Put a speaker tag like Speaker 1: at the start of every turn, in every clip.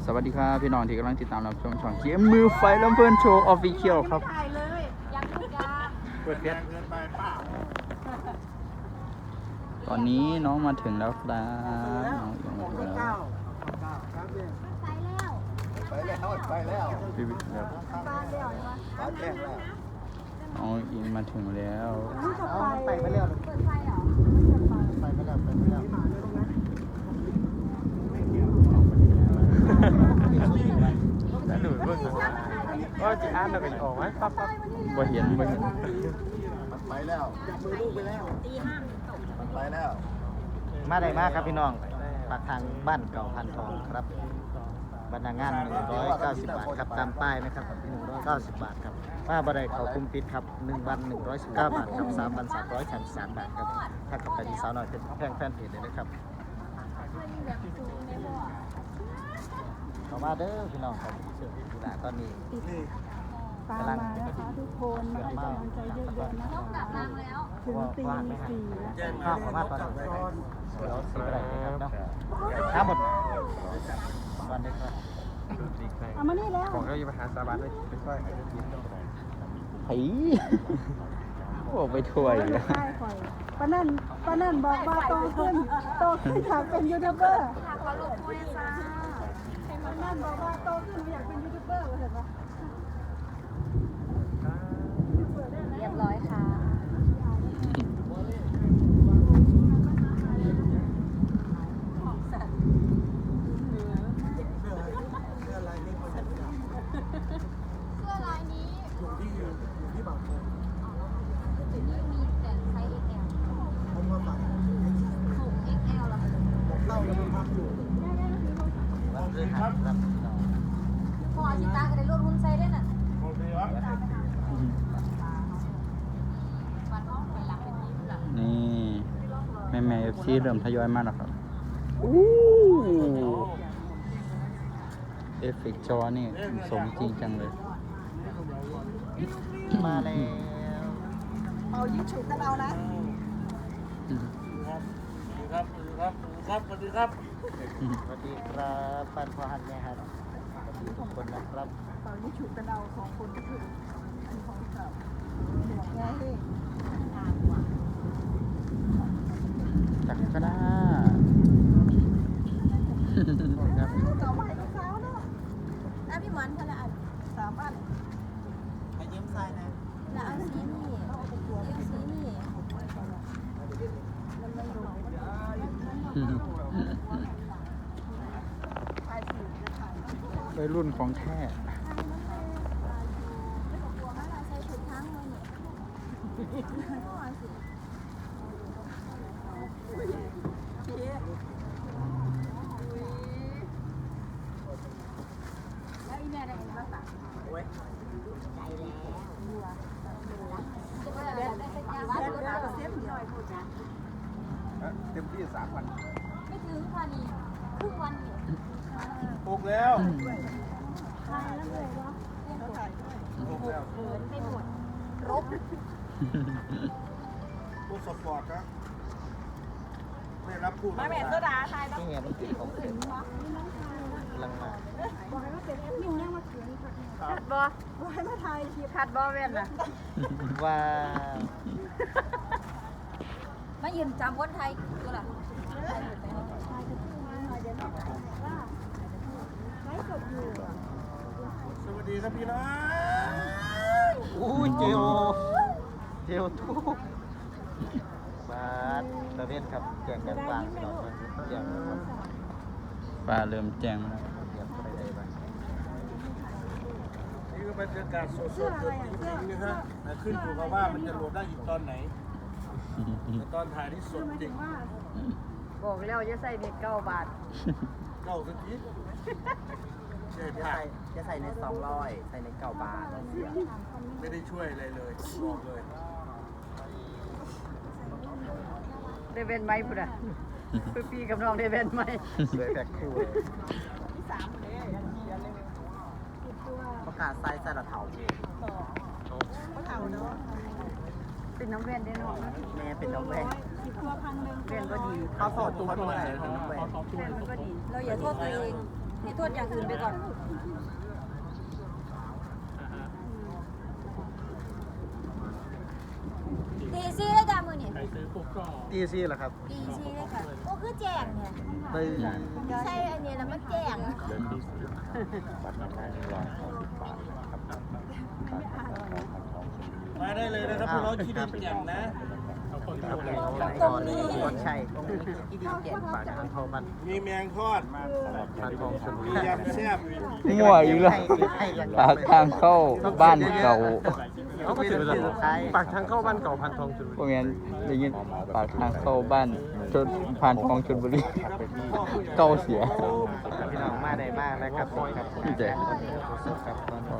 Speaker 1: สวัสดีครับพี่น้องที่กำลังติดตามรับชมช่องเกมมือไฟลำเพลินโชว์ออฟฟิเชียลครับ
Speaker 2: ถ่ายเลยยังทุกอย่าง
Speaker 1: เปิดเพชรตอนนี้น้องมาถึงแล้วครับน้องยังมาถึงแล้ว
Speaker 2: ไปแล้ว
Speaker 3: ไปแล้ว
Speaker 1: พี่วิทย์ครับ
Speaker 2: บ้านเดียวนี่วะ
Speaker 3: บ้านแจ้งแล้ว
Speaker 1: น้องอิงมาถึงแล้ว
Speaker 2: นี่จะไป
Speaker 3: ไปแล้ว
Speaker 2: เปิดไฟเหรอ
Speaker 3: ไปแล้วไปแล้ว
Speaker 4: หนูเบิ่งว่าจะอ่านแล้วก็ออกไหมปั๊บปั๊บ
Speaker 1: บ่เห็น
Speaker 3: มันไปแล้วมือลูกไปแล้ว
Speaker 2: ตีห้าตก
Speaker 3: มันไปแล้ว
Speaker 5: มาได้มากครับพี่น้องปากทางบ้านเก่าพันทองครับบรรณางาน190 บาทครับตามป้ายนะครับ190 บาทครับป้าบริเขาคุมปิดครับ1 วัน119 บาทครับ3 วัน333 บาทครับถ้ากับไปที่สาวน้อยเป็นแพงแฟนเพจเลยนะครับ
Speaker 2: แบบซูมในบ่อ
Speaker 5: เข้ามาเด้อพี่น้องครับเชื่อพี่ละตอนนี้
Speaker 6: ตามมานะคะทุกคนมาให้กำลังใจเยอะๆนะ
Speaker 2: ต้องกลับ
Speaker 6: คะ
Speaker 2: รังแล้ว
Speaker 6: ถึงตีสี่แล้ว
Speaker 5: ข้าวเข้ามาตอนนี้เดี๋ยวซื้ออะไรนะครับเนาะทั้งหมดวันนี้ครับ
Speaker 6: เอามานี่แล้ว
Speaker 4: ของเราอยู่มหาสาบานเลยไปช่วย
Speaker 1: ผีโอ้ไปถ้วย
Speaker 6: ไม่ใช่ข่อยป้านั่นบอกว่าโตขึ้นอยากเป็นยูทูบเบอร์
Speaker 2: ค่ะขอลงโทษนะจ๊ะ
Speaker 6: ป้านั่นบอกว่าโตขึ้นอยากเป็นยูทูบเบอร์เห็นปะ
Speaker 2: เรียบร้อยค่ะเสื้อลายนี้อยู่ที่บางโพนี่มีแต่ไซส์ XL ถูก XL เหรอ
Speaker 5: วันพฤหัสครับพี่น้อง
Speaker 2: พอจิตาก็ได้ลดหุ้นไซส์ได้น่ะวันน้องไปหลังเป็นนี้หลัง
Speaker 1: นี่แม่FC เริ่มทยอยมาแล้วครับเอฟเฟกต์จอนี่สมจริงจังเลย
Speaker 5: มาแล้ว
Speaker 6: เอายิ่งฉุกกันเอานะ
Speaker 3: ครับสวัสดีครับ
Speaker 5: สวัสดีครับปันพอหันแม่ครับทุกคนนะครับ
Speaker 6: เอายิ่งฉุกกันเอาของคนก็คืออันของเก่าหมวกแง่เฮ้
Speaker 1: จักก็ได้
Speaker 5: ครับ
Speaker 6: เก่ามาให้ลูกสาวเนาะ
Speaker 2: อ่ะพี่หมอนคนละอัน
Speaker 6: 3 อัน
Speaker 5: ไปเยี่ยมทรายนะ
Speaker 2: แล้วเอาสีนี่เอาสีนี่มันไม่รู้
Speaker 1: วัยรุ่นของแท้
Speaker 2: ใส่ถุงทั้งเลยเนี่ยแล้วอีแม่ได้เห็นภาษาใจแล้วได้สักอย่างว่าตัวเสียบหน่อยพูดนะ
Speaker 3: เต็มที่3 วัน
Speaker 2: ไม่ถึงค่ะนี่ครึ่งวันเนี่ย
Speaker 3: ปลุกแล้ว
Speaker 2: ทานแล้วเลยวะ
Speaker 3: ปลุกแล้ว
Speaker 2: เขินไปหมดรบ
Speaker 3: ผู้สปอร์ตครับไม่รับผู้
Speaker 2: มาแม่ตัวดาทาย
Speaker 5: นี่ไงมันติดของเข็มกำลังมา
Speaker 6: บอกให้มาเป็นแอดมินเนี่ยมาเขียนค่ะ
Speaker 2: ขัดบอ
Speaker 6: บอกให้มาถ่ายคลิป
Speaker 2: ขัดบอเว้นน่ะ
Speaker 5: ว้าว
Speaker 2: มายืนจำคนไทยตัวละ
Speaker 6: ไลฟ์สดอยู่
Speaker 3: สวัสดีครับพี่น้อง
Speaker 5: อู้เจลทุกบาทตะเวนครับแจงกันวางพี่น้องแจงกันวาง
Speaker 1: ฟ้าเริ่มแจ้งมาแล้ว
Speaker 5: เดี๋ยวไปได้บ้าง
Speaker 3: นี่ก็บรรยากาศสดๆจริงๆนะฮะแต่ขึ้นอยู่กับว่ามันจะโหลดได้อีกตอนไหนแต่ตอนถ่ายที่สดจริง
Speaker 2: บอกแล้วจะใส่เด็ก9 บาท
Speaker 3: เก้าสักทีใช่
Speaker 5: จะ
Speaker 3: ผ่า
Speaker 5: ใส่จะใส่ใน200ใส่ใน9 บาท
Speaker 3: ไม่ได้ช่วยอะไรเลยบอกเลย
Speaker 2: ได้เว้นไหมพุ่นอ่ะพี่กับน้องได้เว้นไหม
Speaker 5: สวยแพ็คคู่เลยประกาศใส่ใส่ละเถา
Speaker 2: เป็นน้ำเว้นได้เนาะ
Speaker 5: แม่เป็นน้องแม่
Speaker 2: เว้นก็ดี
Speaker 5: เขาสอดตัวด้วยน้องแม่
Speaker 2: เว้นมันก็ดี เราอย่าโทษตัวเองให้ตรวจอย่างอื่นไปก่อนตีซี่ได้จ้ามือนี่
Speaker 5: ตีซี่เหรอครับ
Speaker 2: ตีซี่ได้ค่ะโอ้คือแจงเนี่ย
Speaker 5: ไป
Speaker 2: ใช่อันนี้แล้วมันแจง
Speaker 3: มาได้เลยนะครับพวกเราที่ดินอย่างนะ
Speaker 5: ตรงนี้คนใช่ตรงนี้คือที่ดินแก่ปากทางเขาบ้าน
Speaker 3: มีแมงทอด
Speaker 5: ปากทองชลบุ
Speaker 3: มี
Speaker 5: รี
Speaker 3: ยำแซ่บ
Speaker 1: มั่วอีกแล้วปากทางเข้าบ้านเก่า
Speaker 5: เขาก็ถือเป็นปากทางเข้าบ้านเก่าพันทองชลบุ
Speaker 1: พว
Speaker 5: รี
Speaker 1: กนั้นได้ยินปากทางเข้าบ้านจนผ่านคลองชลบุรีเก่าเสีย
Speaker 5: พี่น้องมาได้มากนะครับครับ
Speaker 1: พี่แจ๊ค
Speaker 5: ครับ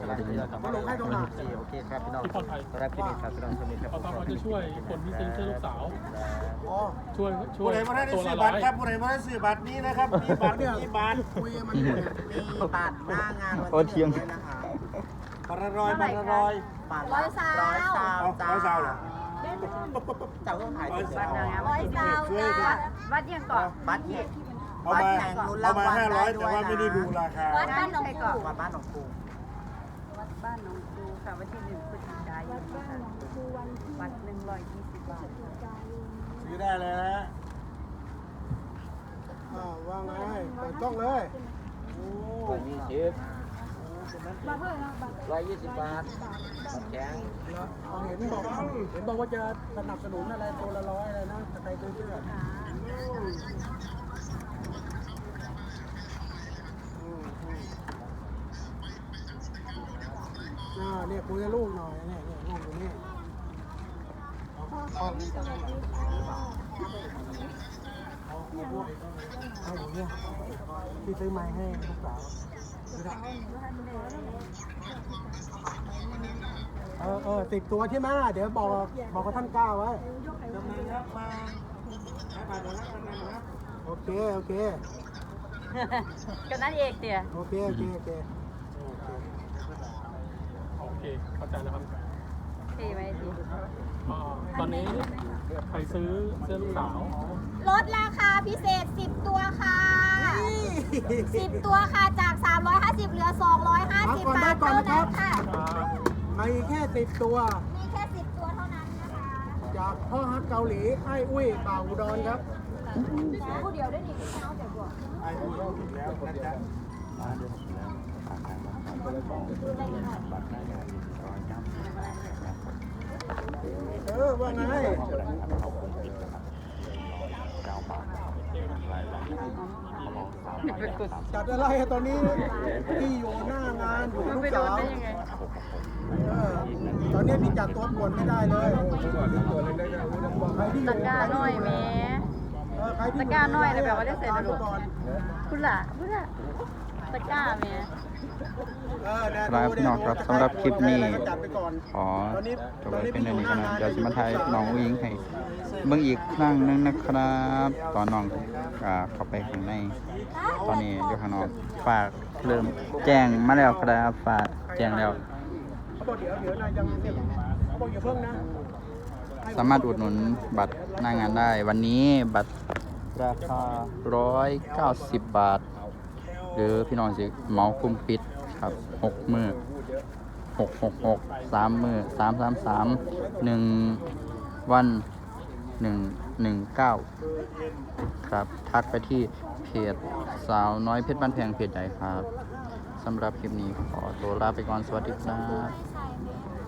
Speaker 5: โอเคครับพี่น้องรับพี่นิดครับพี่น้องคนนี้ครับ
Speaker 4: เราจะช่วยคนที่ซื้อเสื้อลูกสาว
Speaker 3: อ๋อ
Speaker 4: ช่วย
Speaker 3: ผู้ใดมาได้ซื้อบัตรครับผู้ใดมาได้ซื้อบัตรนี้นะครับ มีบัตรมีบัตรคุยกันมันมีบัตรหน้างาน
Speaker 1: โอ้เทียง
Speaker 3: บัตรละร้อยบัตรละร้อย
Speaker 2: ร้อยสาว
Speaker 3: ร้อยสาวเหรอ
Speaker 5: เจ้าต้องถ่าย
Speaker 3: ร้อยสาว
Speaker 2: ร้อยสาวจ้าวัดยังก่อน
Speaker 5: บัตรที่
Speaker 3: เอามา500แต่ว่าไม่ได้ดูราคา
Speaker 2: วัดบ้านหนองปู
Speaker 5: วัดบ้านหนองปู
Speaker 6: วัดบ้านหนองคูค่ะวันที่1 พฤศจิกายนค่ะวัด120 บาท
Speaker 3: ซื้อได้เลยนะว่างไงเปิดกล้องเลยโอ้
Speaker 5: 120 บาทแข็ง
Speaker 3: เห็นบอกว่าจะสนับสนุนอะไรตัวละ100อะไรนะใครซื้อเสื้อเนี่ยคุยกับลูกหน่อยเนี่ยลูกอยู่นี่เอาอย่างเงี้ยพี่ซื้อไม้ให้ลูกสาว10 ตัวใช่ไหมเดี๋ยวบอกกับท่านก้าวไว้โอเค
Speaker 6: กันนั่นเองเตี๋ย
Speaker 3: โอเค
Speaker 4: โอเคเข้าใจแล้วครับ
Speaker 6: เทไว้ดิ
Speaker 4: ตอนนี้ใครซื้อเสื้อลูกสาว
Speaker 2: ลดราคาพิเศษ 10 ตัวค่ะ 10 ตัวค่ะจาก 350 เหลือ 250 บาทเท่านั้นค่ะ
Speaker 3: มีแค่10 ตัว
Speaker 2: มีแค่ 10 ตัวเท่านั้นนะคะ
Speaker 3: จากพ่อฮักเกาหลีไอ้อุ้ยบ่าวอุดรครับ
Speaker 2: ผู้เดียวได้ดีเอาแต่บวก
Speaker 3: ไอ้อุ้ยอีกแล้วนะจ๊ะว่าไงจัดอะไรตอนนี้พี่อยู่หน้างานอยู่ลูกสาวตอนนี้พี่จัดตัวป่วนไม่ได้เลยใครที่อยู่
Speaker 6: ตะกร้าน้อยแม่ ตะกร้าน้อยเลยแบบว่าได้ใส่กระดูก คุณล่ะตะกร้าแม่
Speaker 1: ครับพี่น้องครับสำหรับคลิปนี้ขอจบไว้เป็นเรื่องนี้กันนะเดี๋ยวจะมาถ่ายน้องอุ้งอิงให้เบิ่งอีกครั้งหนึงนะครับ ตอนน้องเข้าไปข้างในตอนนี้อยู่ข้างนอกฝากเริ่มแจ้งมาแล้วครับฝากแจ้งแล้ว
Speaker 3: เขาบอกเดี๋ยวนายยังเขาบอกอย่าเพิ่งนะ
Speaker 1: สามารถอุดหนุนบัตรหน้างานได้ วันนี้บัตรราคา190 บาท หรือพี่น้องสิเหมาคุ้มปิดครับ6 มื้อ666 3 มื้อ333 1 วัน 119 ครับ ทักไปที่เพจสาวน้อยเพชรบ้านแพงเพจใหญ่ครับสำหรับคลิปนี้ขอตัวลาไปก่อน สวัสดีครับ
Speaker 2: ใช่ไหม